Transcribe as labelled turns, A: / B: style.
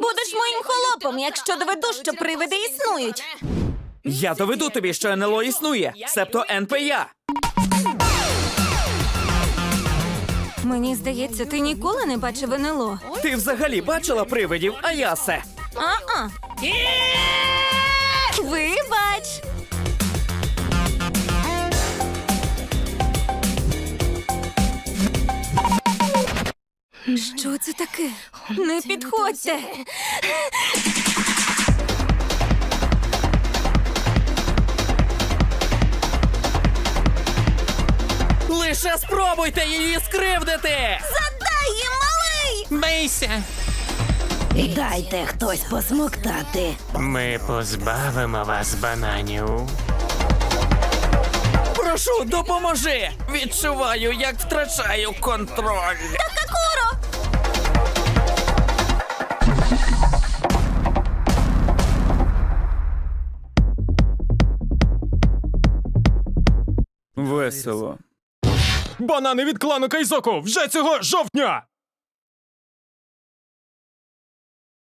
A: Будеш моїм холопом, якщо доведу, що привиди існують.
B: Я доведу тобі, що НЛО існує, себто НПЯ.
A: Мені здається, ти ніколи не бачив НЛО.
B: Ти взагалі бачила привидів, Аясе?
A: А-а. Вибач. Що це таке? Не підходьте.
B: Лише спробуйте її скривдити!
A: Задай їм, малий!
C: Бийся!
D: Дайте хтось посмоктати.
C: Ми позбавимо вас бананів.
B: Прошу, допоможи! Відчуваю, як втрачаю контроль.
A: Такакуро!
B: Весело.
E: Банани від клану Кайзоку вже цього жовтня!